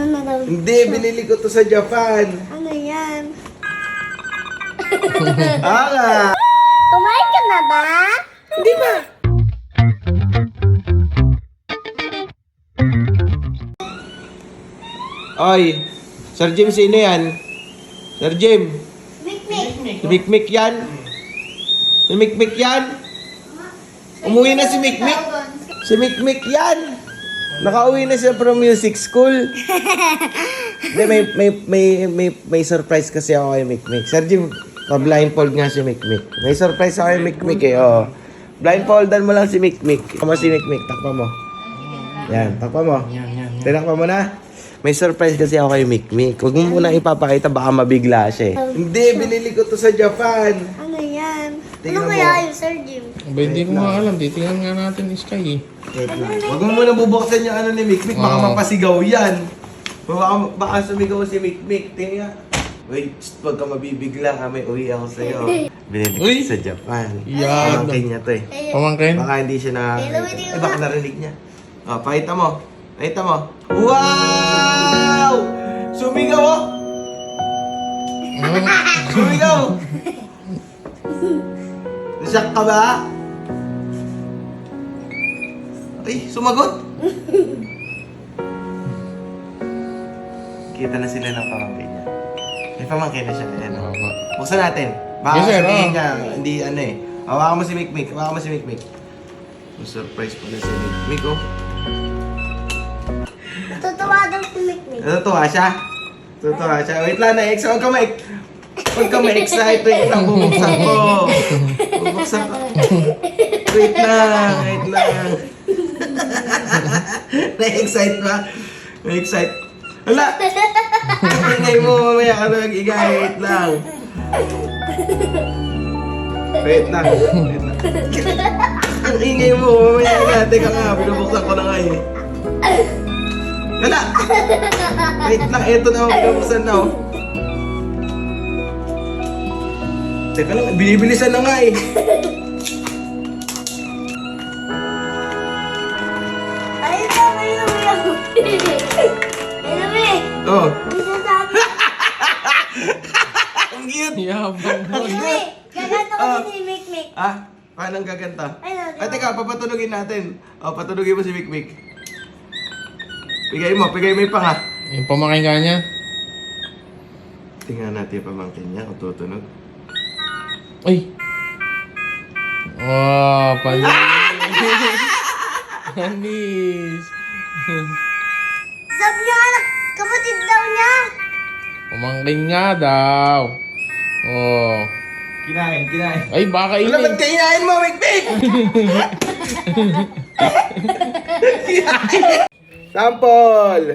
Ano na daw? Hindi, binili ko to sa Japan. Ano yan? Ah, Kumain ka na ba? hindi ba? Oy, Sir Jim, sino yan? Sir Jim, Mikmik. si Mikmik yan? Si Mikmik yan? Umuwi na si Mikmik? Si Mikmik yan? Nakauwi na siya from music school. Hindi, may surprise kasi ako kay Mikmik. Sir Jim, blindfold nga si Mikmik. May surprise ako kay Mikmik eh, oh. Blindfoldan mo lang si Mikmik. Takpa mo si Mikmik, takpa mo. Yan, takpa mo. Tinakpa mo na. May surprise kasi ako kay Mikmik. Huwag mo muna ipapakita, baka mabigla siya eh. Hindi, binili ko to sa Japan. Ano yan? Tingnan Ano mo. kaya yun, Sir Jim? Aba, hindi ko nga alam. Titingnan nga natin yung Sky eh. Wait lang. Huwag mo muna bubuksan yung ano ni Mikmik, baka Oo. mapasigaw yan. Baka sumigaw si Mikmik. Tingnan. Wait, huwag ka mabibigla ha, may uwi ako sa'yo. Binili ko Uy! sa Japan. Yan. Pamangkin niya to eh. Pamangkin? Baka hindi siya Hello, Eh, baka narinig niya. Oh, pakita mo. Pakita mo. Wow! Sumigaw oh! Sumigaw! Nasyak ka ba? Ay, sumagot! Kita na sila ng pamangkin niya. May pamangkin na siya. Ayan, oh. Buksan natin. Baka Yes, sir, sabihin oh. niya, hindi ano eh. Hawakan mo si Mikmik. Hawakan mo si Mikmik. Surprise pala si Mikmik, oh. Tutuwa daw si Mikmik. Natutuwa siya? Natutuwa siya. Wait lang, na-ex. Huwag ka ma-excite. Wait lang, bubuksan ko. Bubuksan ko. Wait lang, wait lang. Na-excite ba? Na-excite. Hala! Ingay mo, mamaya ka nag-igay. Wait lang. Wait lang. Wait lang. Ang ingay mo, mamaya ka. Teka nga, binubuksan ko na nga eh. Hala! Wait lang, eto na, binubuksan na oh. Teka lang, binibilisan na nga eh. Ay, sabi yung ako. Ay, sabi. Oh. Bisa sabi. Ang cute! Yabang mo. Sabi, gaganto ko si Mikmik. Ah, paano ang gaganta? Ay, no, Ay, teka, papatunogin natin. O, patunogin mo si Mikmik. Pigay mo yung panga. Yung pamangkin ka niya? Tingnan natin yung pamangkin niya kung tutunog. Uy! Wow, panis! Panis! Sabi niya anak, kapatid daw niya. Pamangkin nga daw. Oh. Kinain. Ay, baka Wala, ba't ini. kainain mo, Mikmik? Sample!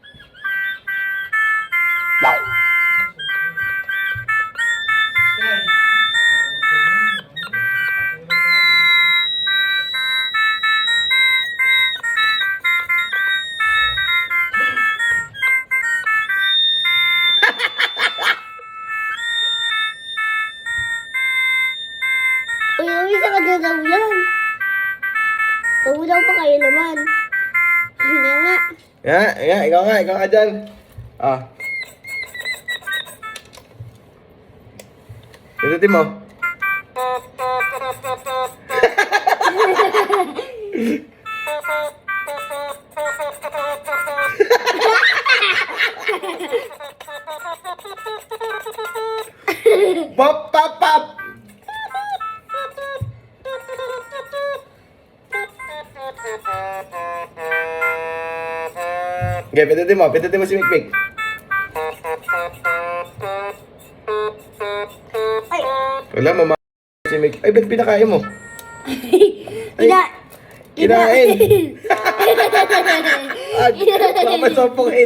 Uy, uwi sa kanya daw yan. Uulaw pa kayo naman. Hindi nga. Ikaw nga dyan. Ah. Pindutin mo. Pop, pop, pop! Okay, pindutin mo si Mikmik. Ay, Wala, mama si Mikmik. Ay, ba't pinakain mo? kinain. Kinain! At, mapasopokin.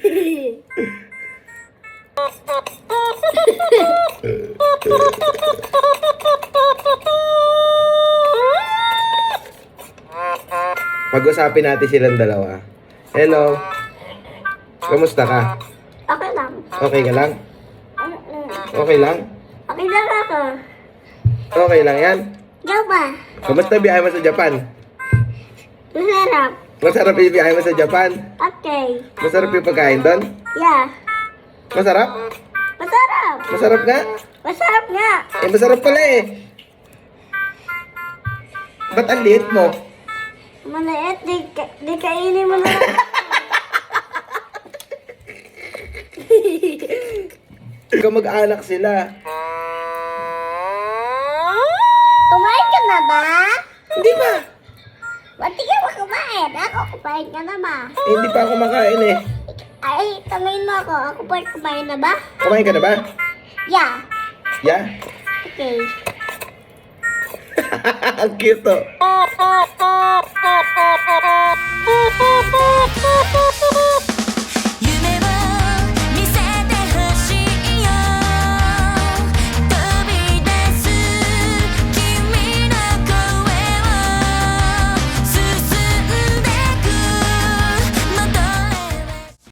Pag-usapin natin silang dalawa. Hello. Kamusta ka? Okay lang. Okay ka lang? Okay lang? Okay lang ako. Okay lang yan? Ikaw ba? Kamusta biyahe mo sa Japan? Masarap. Masarap yung biyahe mo sa Japan. Okay. Masarap yung pagkain doon. Yeah. Masarap? Masarap. Masarap nga? Masarap nga. Eh, masarap pala eh. Ba't ang liit mo? Maliit. Di kainin mo na. Ikaw mag-anak sila. Kumain ka na ba? Hindi ba? Ba't di ka ba kumain? Ako, kumain ka na ba? Eh, hindi pa ako makain eh. Ay, tangayin mo ako. Ako pa kumain na ba? Kumain ka na ba? Yeah. Yeah? Okay. Ang cute oh.